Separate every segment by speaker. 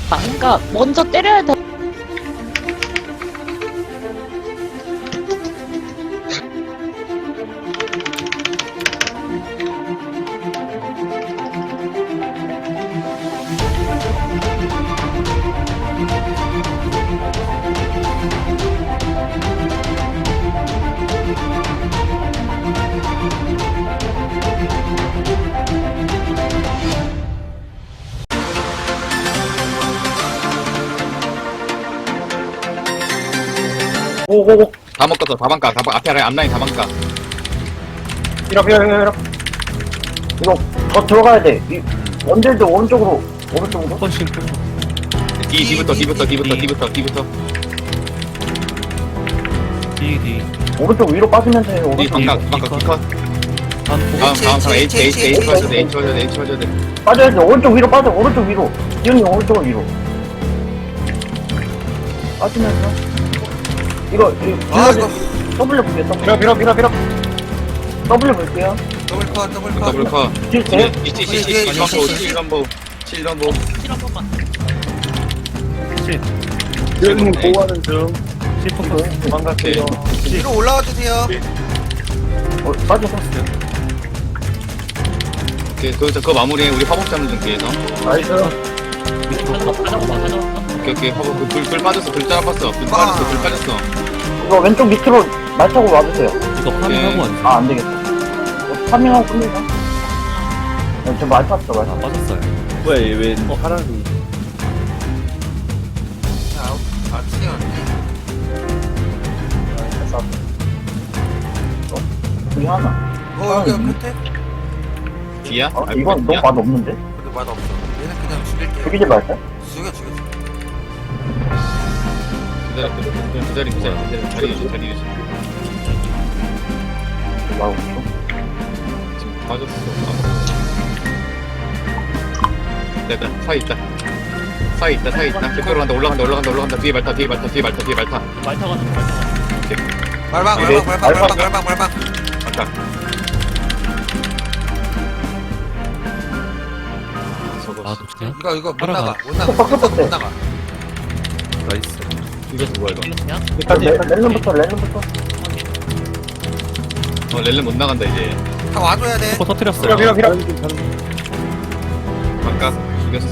Speaker 1: 그러니까 먼저 때려야 돼.
Speaker 2: 오오오
Speaker 3: 다 먹었어. 다방가. 앞에 아래 앞라인 다방가.
Speaker 2: 밀어 이거 더 들어가야 돼. 이 원딜도 오른쪽으로
Speaker 4: 한 번씩
Speaker 3: 뒤부터.
Speaker 4: D
Speaker 2: 오른쪽 위로 빠지면서 해요.
Speaker 3: 뒤
Speaker 2: 오른쪽
Speaker 3: 방가 컷.
Speaker 4: 한
Speaker 3: 다음 H 맞춰야 돼.
Speaker 2: 빠져야 돼. 오른쪽 위로 빠져. 오른쪽 위로. 기훈이 오른쪽 위로. 빠지면서 이거
Speaker 5: 아 이거
Speaker 2: W 볼게요. 밀어. W 볼게요.
Speaker 5: 더블 컷
Speaker 2: 딜 돼?
Speaker 3: 이치 7런보
Speaker 1: 실 한 번만.
Speaker 4: 기훈님 보호하는 중 C4
Speaker 2: 도망갈게요.
Speaker 5: 위로 올라와 주세요.
Speaker 2: 빠져서.
Speaker 3: 오케이 그거 마무리해. 우리 화복 잡는 중 뒤에서.
Speaker 2: 나이스.
Speaker 3: 오케이 화복 불 빠졌어. 불 따라봤어. 불 빠졌어.
Speaker 2: 이거 왼쪽 밑으로 말 타고 와주세요.
Speaker 4: 이거 파밍하고 왔네.
Speaker 2: 안 되겠다. 파밍하고 끝내자. 저말 탔어, 말 탔어.
Speaker 4: 빠졌어요.
Speaker 6: 왜 사람이
Speaker 5: 아 튀었네.
Speaker 2: 여기 하나.
Speaker 5: 여기 끝에?
Speaker 3: 뒤야?
Speaker 2: 이건 너무 맛없는데?
Speaker 5: 근데 맛없어. 얘는 그냥 죽일게요.
Speaker 2: 죽이지 말까?
Speaker 5: 죽여.
Speaker 3: 기다려. 자리 유지.
Speaker 2: 맛없어.
Speaker 3: 지금 빠졌어. 내가 사이 있다. 뒷으로 간다. 올라간다. 뒤에 말타.
Speaker 1: 말타 가는 거.
Speaker 5: 말방.
Speaker 3: 아까
Speaker 4: 아
Speaker 3: 저거
Speaker 4: 좋냐?
Speaker 5: 이거 못
Speaker 4: 따라가.
Speaker 5: 나가. 못 나가.
Speaker 4: 나이스.
Speaker 3: 이거 뭐야 이거?
Speaker 1: 그냥
Speaker 2: 렐름부터.
Speaker 3: 렐렌 못 나간다 이제.
Speaker 5: 다 와줘야 돼.
Speaker 4: 코 터뜨렸어요.
Speaker 3: 아까 죽였어.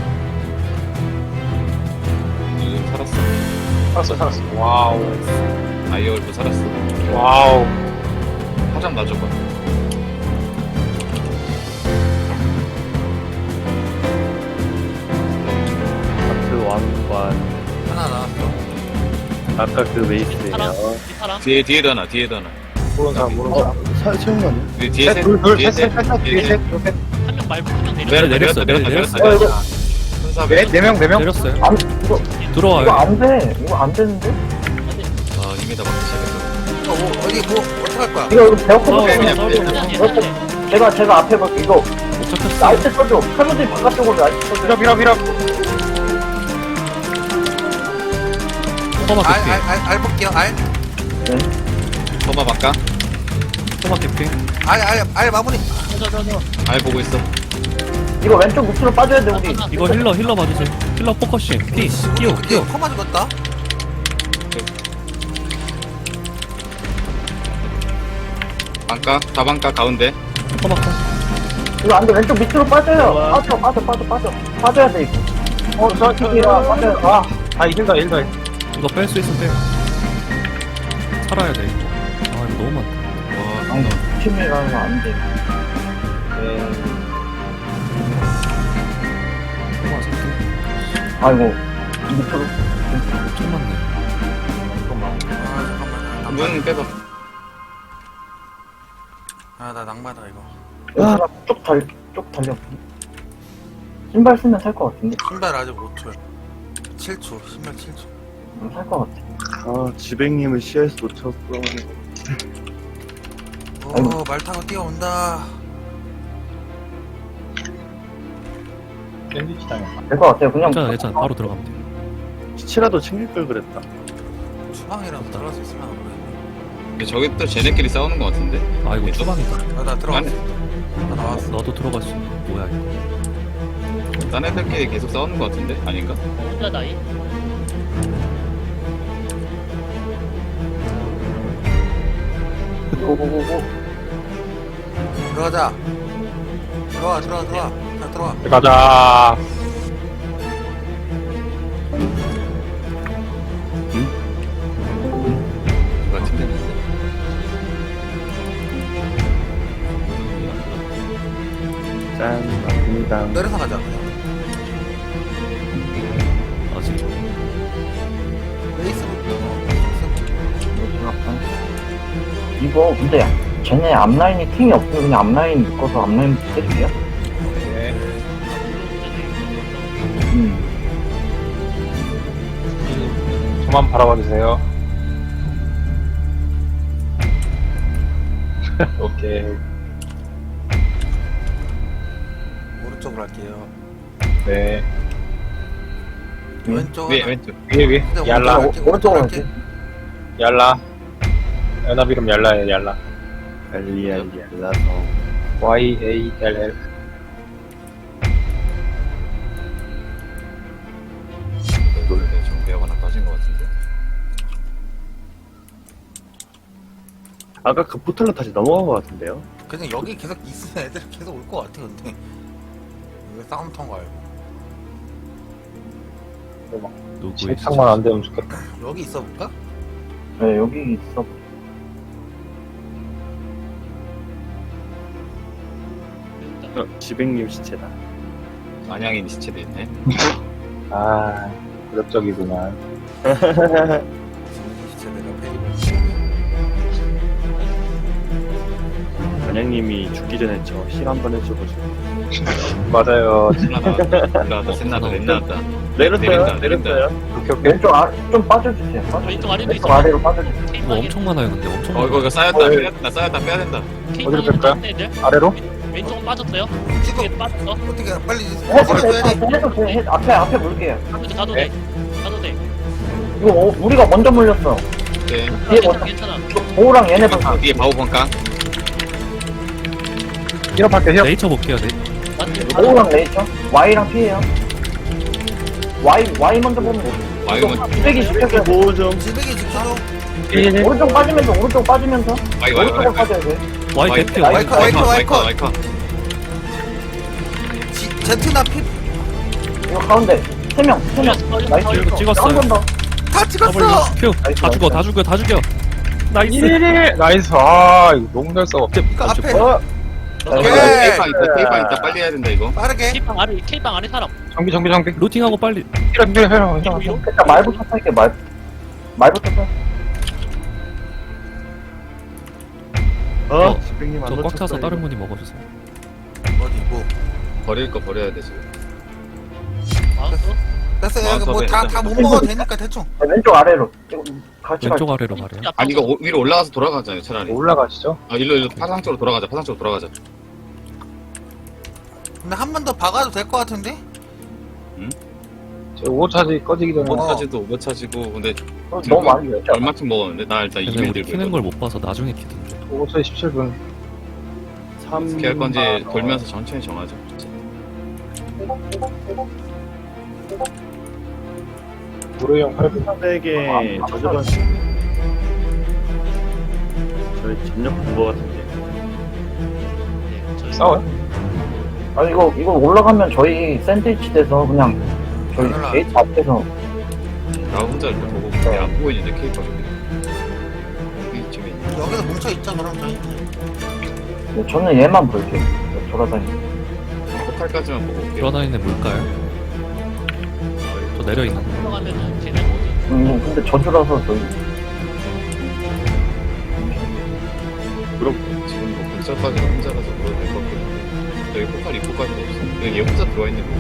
Speaker 3: 살았어.
Speaker 2: 와우.
Speaker 3: 아이얼도 살았어.
Speaker 2: 와우.
Speaker 3: 화장 놔줘봐.
Speaker 6: 그 왕관
Speaker 5: 하나 나왔어.
Speaker 6: 아까 그 베이스예요.
Speaker 1: 사람.
Speaker 3: 뒤에도 하나.
Speaker 2: 모르는 사람.
Speaker 6: 채운 거 아니야?
Speaker 3: 뒤에 셋.
Speaker 1: 한 명 말고 한 명 내려.
Speaker 4: 내렸어요.
Speaker 2: 이거
Speaker 3: 순사배.
Speaker 2: 네 명.
Speaker 4: 내렸어요.
Speaker 2: 이거
Speaker 4: 들어와요.
Speaker 2: 안 돼. 이거 안 되는데?
Speaker 3: 이미 다 막기 시작했어.
Speaker 5: 어디 뭐 어떡할 거야?
Speaker 2: 이거 배고프고
Speaker 3: 그냥
Speaker 2: 제가 앞에 볼게. 이거
Speaker 4: 못 잡혔어.
Speaker 2: 나이트 써줘. 칼로들 바깥쪽으로 나이트 써줘. 밀어.
Speaker 4: 토마 개피.
Speaker 5: 알 볼게요.
Speaker 3: 터마 바까.
Speaker 4: 토마 개피.
Speaker 5: 알 마무리.
Speaker 3: 알 보고 있어.
Speaker 2: 이거 왼쪽 밑으로 빠져야 돼, 우리.
Speaker 4: 이거 힐러 봐주세요. 힐러 포커싱. 끼워.
Speaker 5: 코마 죽었다.
Speaker 3: 방가. 다방가 가운데.
Speaker 4: 토마 컷.
Speaker 2: 이거 안 돼. 왼쪽 밑으로 빠져요. 빠져. 빠져야 돼, 이거. 저기라 빠져요. 힘들다.
Speaker 4: 이거 뺄 수 있으면 빼요. 살아야 돼 이거. 아 이거 너무 많다.
Speaker 3: 와,
Speaker 2: 팀이라는 거 안 돼.
Speaker 4: 토마 살게.
Speaker 2: 아이고, 밑으로.
Speaker 4: 엄청 많네.
Speaker 5: 잠깐만.
Speaker 3: 문 빼봐.
Speaker 5: 나 낭만다 이거.
Speaker 2: 쭉 달려. 신발 쓰면 살 것 같은데?
Speaker 5: 신발 아직 5초. 7초. 신발 7초.
Speaker 2: 살 것 같아.
Speaker 6: 아 지백님을 시야에서 놓쳤어.
Speaker 5: 말 타고 뛰어온다.
Speaker 2: 될 것 같아요. 그냥.
Speaker 4: 괜찮아. 바로 들어가면 돼.
Speaker 6: 시체라도 챙길 걸 그랬다.
Speaker 5: 주방이라도 들어갈 수 있으면 모르겠네.
Speaker 3: 근데 저기 또 쟤네끼리 싸우는 것 같은데.
Speaker 4: 아 이거 추방이다.
Speaker 5: 나 들어갔어.
Speaker 3: 아니.
Speaker 5: 나 나왔어.
Speaker 4: 나도 들어갈 수 있는. 뭐야 이거.
Speaker 3: 딴 애들끼리 계속 싸우는 것 같은데? 아닌가?
Speaker 1: 혼자 나이?
Speaker 2: 고고고고.
Speaker 5: 들어가자. 들어와. 다 들어와.
Speaker 7: 가자.
Speaker 3: 누가 팀장인데?
Speaker 6: 짠, 맞습니다.
Speaker 5: 내려서 가자.
Speaker 4: 아직
Speaker 5: 레이스부터.
Speaker 2: 이거 근데 쟤네 앞라인이 팀이 없으면 그냥 앞라인 묶어서 앞라인 때릴게요.
Speaker 7: 저만 바라봐 주세요. 오케이.
Speaker 5: 오른쪽으로 할게요.
Speaker 7: 네.
Speaker 5: 왼쪽.
Speaker 3: 위에
Speaker 5: 하나.
Speaker 3: 왼쪽.
Speaker 7: 위에.
Speaker 5: 근데
Speaker 7: 얄라.
Speaker 2: 오른쪽으로
Speaker 5: 할게.
Speaker 2: 할게.
Speaker 7: 얄라. 연합 이름 얄라예요, 얄라.
Speaker 6: 알리알리알라서.
Speaker 7: YALL.
Speaker 3: 이걸 정비하거나 빠진 것 같은데.
Speaker 6: 아까 그 포털로 다시 넘어간 것 같은데요?
Speaker 5: 그냥 여기 계속 있으면 애들 계속 올 것 같아 근데. 왜 싸움터인 거 알고.
Speaker 4: 누구
Speaker 7: 진탕만 안 되면 좋겠다.
Speaker 5: 여기 있어 볼까?
Speaker 2: 네, 여기 있어.
Speaker 6: 지백님 시체다.
Speaker 3: 안양인 시체도 있네.
Speaker 7: 아, 그럭적이구만.
Speaker 5: 진짜 내가 페이블.
Speaker 6: 안양님이 죽기 전에 저 힐 한 번 해줘가지고.
Speaker 7: 맞아요.
Speaker 3: 올라왔다, 샌나다, 랜나왔다.
Speaker 6: 내렸어요.
Speaker 7: 오케이, 오케이.
Speaker 2: 왼쪽 좀 빠져주세요.
Speaker 1: 왼쪽 아래도
Speaker 2: 왼쪽
Speaker 1: 있어.
Speaker 2: 아래로 빠져주세요.
Speaker 4: 이거 엄청 많아요 근데 엄청
Speaker 3: 이거
Speaker 4: 많아요.
Speaker 3: 쌓였다, 빼야 된다, 쌓였다, 빼야 된다.
Speaker 7: 어디로 뺄까요?
Speaker 1: 애들
Speaker 7: 아래로?
Speaker 1: 왼쪽은 빠졌어요.
Speaker 5: 찍어.
Speaker 1: 위에 빠졌어.
Speaker 5: 어떻게 빨리
Speaker 2: 해도
Speaker 5: 해줘야 돼.
Speaker 2: 해도 돼. 앞에 물게요.
Speaker 1: 가도 돼. 가도 돼.
Speaker 2: 이거 우리가 먼저 물렸어.
Speaker 3: 네.
Speaker 2: 뒤에
Speaker 1: 괜찮아 괜찮아.
Speaker 2: 보호랑 얘네 방금.
Speaker 3: 뒤에 바우 번깡.
Speaker 7: 히럽할게, 히럽.
Speaker 4: 네이처 볼게요 네.
Speaker 1: 맞지?
Speaker 2: 보호랑 레이저. Y랑 P에요. Y 먼저 보면 돼.
Speaker 3: 와이건,
Speaker 2: 쓰레기 시켜서
Speaker 6: 보호 좀.
Speaker 5: 지백이 지켜줘.
Speaker 2: 오른쪽 빠지면서 오른쪽으로 빠져야 돼.
Speaker 4: 와이
Speaker 3: 와이-
Speaker 4: 개피
Speaker 5: 와이-
Speaker 4: 와이
Speaker 3: 와이컨.
Speaker 5: 제트나 피.
Speaker 2: 이거 가운데 3명. 나이스.
Speaker 4: 이거 찍었어요.
Speaker 2: 한번 더.
Speaker 5: 다 찍었어.
Speaker 4: 큐. 다 죽여 다 죽여. 나이스.
Speaker 7: 나이스. 아, 이거 너무 잘 싸워.
Speaker 5: 이거 앞에.
Speaker 2: 나이스.
Speaker 3: 테이판 있다, 테이판 있다. 빨리 해야 된다, 이거.
Speaker 5: 빠르게.
Speaker 1: K방 안에 사람.
Speaker 7: 정비.
Speaker 4: 루팅하고 빨리.
Speaker 7: 히럽.
Speaker 2: 일단 말부터 탈게. 말부터 탈.
Speaker 6: 지백님 안
Speaker 4: 저 꽉
Speaker 6: 놓쳤다,
Speaker 4: 차서
Speaker 6: 이거.
Speaker 4: 다른 분이 먹어주세요.
Speaker 5: 어디 뭐.
Speaker 3: 버릴 거 버려야 돼, 지금.
Speaker 1: 마우스.
Speaker 5: 됐어. 여기 뭐 다 못 먹어도 되니까 대충.
Speaker 2: 왼쪽 아래로. 이거 같이
Speaker 4: 왼쪽
Speaker 2: 갈게.
Speaker 4: 아래로 가래요.
Speaker 3: 아니, 이거 위로 올라가서 돌아가잖아요, 차라리.
Speaker 7: 올라가시죠.
Speaker 3: 아, 일로 파상 쪽으로 돌아가자, 파상 쪽으로 돌아가자.
Speaker 5: 근데 한 번 더 박아도 될 것 같은데?
Speaker 7: 저 오차지 꺼지기 전에.
Speaker 3: 오버차지도 오버차지고, 근데
Speaker 2: 너무 많이 냈죠.
Speaker 3: 얼마큼 먹었는데? 나 일단
Speaker 4: 근데
Speaker 3: 2명
Speaker 4: 우리
Speaker 3: 들고
Speaker 4: 키는
Speaker 3: 있거든.
Speaker 4: 걸 못 봐서 나중에 키던데.
Speaker 7: 오차지 17분.
Speaker 3: 어떻게 할 건지 돌면서 천천히 정하자.
Speaker 7: 무료형 8분.
Speaker 6: 300에 저저번 저희 전력 본거 같은데.
Speaker 7: 싸워요?
Speaker 2: 아니 이거 올라가면 저희 샌드위치 돼서 그냥 저희
Speaker 5: 올라가.
Speaker 2: 게이트 앞에서
Speaker 3: 나 혼자 이렇게 보고 그냥 안 보고 있는데 케이크 여기쯤에 있네.
Speaker 5: 여기서 뭉쳐 있자 그럼 저희.
Speaker 2: 저는 얘만 볼게요. 돌아다니고.
Speaker 3: 포탈까지만 보고 올게요.
Speaker 4: 돌아다니는 물까요? 저 내려 있는 거.
Speaker 1: 올라가면은 걔네 뭐지?
Speaker 2: 근데 저주라서 저희
Speaker 3: 지금 뭐 근처까지 혼자라서 그러도 될것 같긴 한데 여기 포탈 입구까지도 없어. 그냥 얘 혼자 들어와있는 거.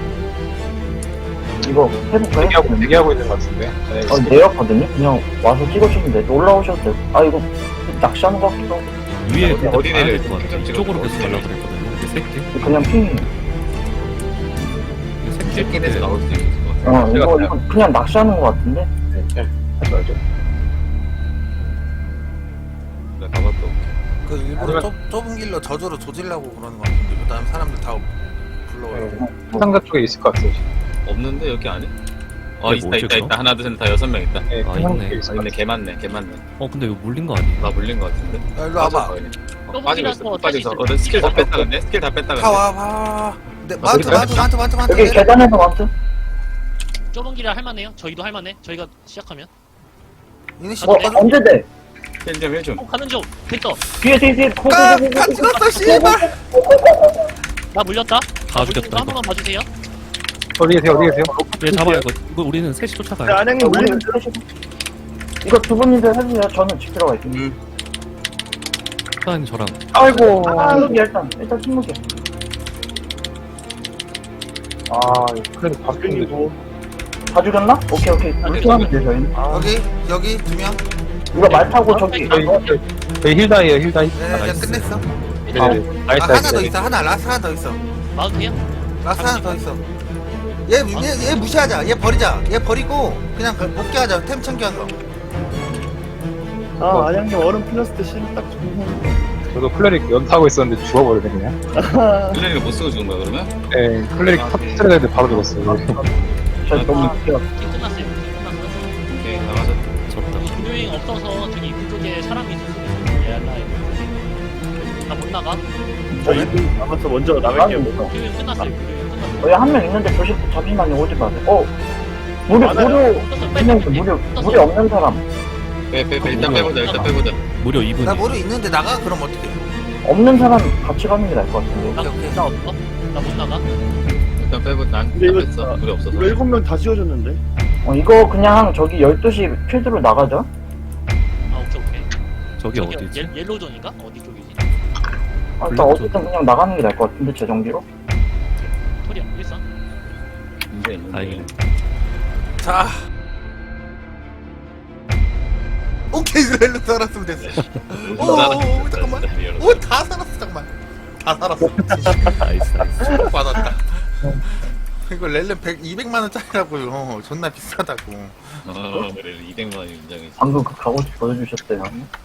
Speaker 2: 이거 해볼까요?
Speaker 7: 대기하고 있는 것 같은데. 네,
Speaker 2: 내였거든요. 그냥 와서 찍어주면 돼. 올라오셔도 돼요. 아 이거 낚시하는 것 같기도 하고.
Speaker 4: 위에
Speaker 3: 어디-
Speaker 4: 근데
Speaker 3: 어디
Speaker 4: 봐야
Speaker 3: 내려요?
Speaker 4: 될것 같아.
Speaker 3: 찍어,
Speaker 4: 이쪽으로
Speaker 3: 찍어.
Speaker 4: 계속 가려고 그랬거든요. 근데 새끼.
Speaker 2: 그냥 핑이에요.
Speaker 3: 새끼에서 나올 수도 있을 것 같아.
Speaker 2: 이거 그냥 낚시하는 것 같은데.
Speaker 7: 하지 말죠.
Speaker 3: 나 가봤다 올게.
Speaker 5: 그 일부러 좁은 길로 저주로 조질라고 그러는 것 같은데 그다음 사람들 다 불러와요.
Speaker 7: 상가 쪽에 있을 것 같아요.
Speaker 3: 없는데 여기 안에?
Speaker 4: 네,
Speaker 3: 있다
Speaker 4: 뭐지,
Speaker 3: 있다
Speaker 4: 그거?
Speaker 3: 있다. 하나 둘 셋 다 6명 있다.
Speaker 7: 네,
Speaker 4: 아,
Speaker 7: 상가
Speaker 4: 있네.
Speaker 7: 쪽에 있을
Speaker 3: 아
Speaker 7: 것
Speaker 3: 근데
Speaker 7: 같아요.
Speaker 3: 개 많네 개 많네.
Speaker 4: 근데 이거 물린 거 아니에요?
Speaker 3: 나 물린 거 같은데.
Speaker 5: 야, 일로 와봐.
Speaker 3: 빠지고 있어.
Speaker 1: 더블이라서
Speaker 3: 빠지고 있어.
Speaker 1: 다시
Speaker 3: 스킬 다 뺐다 근데. 스킬 다 뺐다 근데.
Speaker 5: 다 와, 봐. 네, 마트,
Speaker 7: 그럴까요?
Speaker 5: 마트, 마트, 마트, 마트.
Speaker 2: 여기 계단에서 왔어?
Speaker 1: 좁은 길이라 할만해요. 저희도 할만해. 저희가 시작하면.
Speaker 5: 이네 씨,
Speaker 2: 언제 돼?
Speaker 3: 1점 1점.
Speaker 1: 가는 중. 됐어.
Speaker 2: 뒤에 코드
Speaker 5: 다 찍었어, 씨발.
Speaker 1: 나 물렸다.
Speaker 4: 다 죽였다,
Speaker 1: 한
Speaker 4: 이거.
Speaker 1: 번만 봐주세요.
Speaker 7: 어디 계세요? 어디 계세요?
Speaker 4: 얘 잡아요 이거 우리는 셋이 쫓아가요.
Speaker 6: 안양님 물리는
Speaker 2: 이거 두 분이서 해주세요. 저는 지키러 갈게요.
Speaker 4: 사장님 저랑
Speaker 2: 아이고. 침묵이 일단 침묵이.
Speaker 7: 아, 그래도 바뀌고.
Speaker 2: 다 죽였나? 오케이. 물통하면 돼 저희는.
Speaker 5: 여기 2명.
Speaker 2: 이거 말 타고 저기.
Speaker 7: 저희 힐다이에요, 힐다이.
Speaker 5: 네,
Speaker 4: 나이스.
Speaker 5: 이제 끝냈어.
Speaker 7: 네,
Speaker 5: 아, 하나 더 있어. 라스트 하나 더 있어.
Speaker 1: 마우스 해요?
Speaker 5: 라스트 하나 더 있어. 얘 무시하자. 얘 버리자. 얘 버리고 그냥 복귀하자. 템 챙겨서.
Speaker 6: 아 안양님 얼음 플러스 때 실은 딱 좋은
Speaker 7: 저도 클레릭 연타하고 있었는데 죽어버리네, 그냥.
Speaker 3: 플레이가 못 쓰고 죽은 거야 그러면?
Speaker 7: 네, 클레릭 터트려야 되는데 바로 죽었어요.
Speaker 2: 저 너무 웃겨.
Speaker 1: 팀 끝났어요. 팀 끝났어.
Speaker 3: 오케이 나가자.
Speaker 4: 졌다.
Speaker 1: 금요일 없어서 저기 입구 쪽에 사람이 있을 수도 있어. 예알라 나못 나가.
Speaker 6: 저희 남아서 먼저 나갈게요.
Speaker 1: 금요일 끝났어요. 금요일 끝났어.
Speaker 2: 여기 한 명 있는데 잠시만요. 오지 마세요. 무료 무료 없는 사람.
Speaker 3: 빼 일단 빼보자 일단 빼보자.
Speaker 4: 무려 2분이.
Speaker 5: 나 모르 있는데 나가? 그럼 어떡해?
Speaker 2: 없는 사람 같이 가는 게 나을 것 같은데.
Speaker 1: 나
Speaker 5: 오케이.
Speaker 1: 나 없어? 나 못 나가.
Speaker 3: 일단 빼보 난
Speaker 6: 근데 이거
Speaker 3: 뺐어. 물이 없어서.
Speaker 6: 7명 다 지워줬는데.
Speaker 2: 이거 그냥 저기 12시 필드로 나가자.
Speaker 1: 아 오케이.
Speaker 4: 저기 어디지?
Speaker 1: 옐로존인가? 어디 쪽이지?
Speaker 2: 일단 어쨌든 그냥 나가는 게 나을 것 같은데 재정비로.
Speaker 1: 토리야 일선.
Speaker 3: 문제 있는데.
Speaker 4: 다행이네.
Speaker 5: 자. 오케이, 렐로 살았으면 됐어. 오, 잠깐만. 오, 다 살았어, 잠깐만. 다 살았어.
Speaker 4: 나이스.
Speaker 5: 받았다. 이거 렐렌 200만원짜리라고요. 존나 비싸다고.
Speaker 3: 그래 200만 원 인정이지.
Speaker 2: 방금 그 각오 보여주셨대요.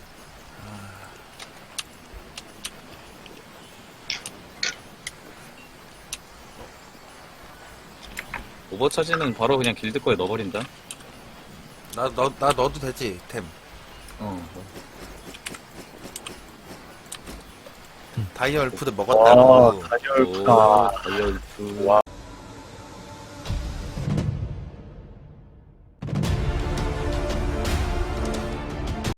Speaker 3: 오버차지는 바로 그냥 길드 거에 넣어버린다.
Speaker 5: 나 넣어도 되지, 템. 다이얼 푸드 먹었다고.
Speaker 6: 다이얼
Speaker 3: 오, 다이얼프.
Speaker 6: 와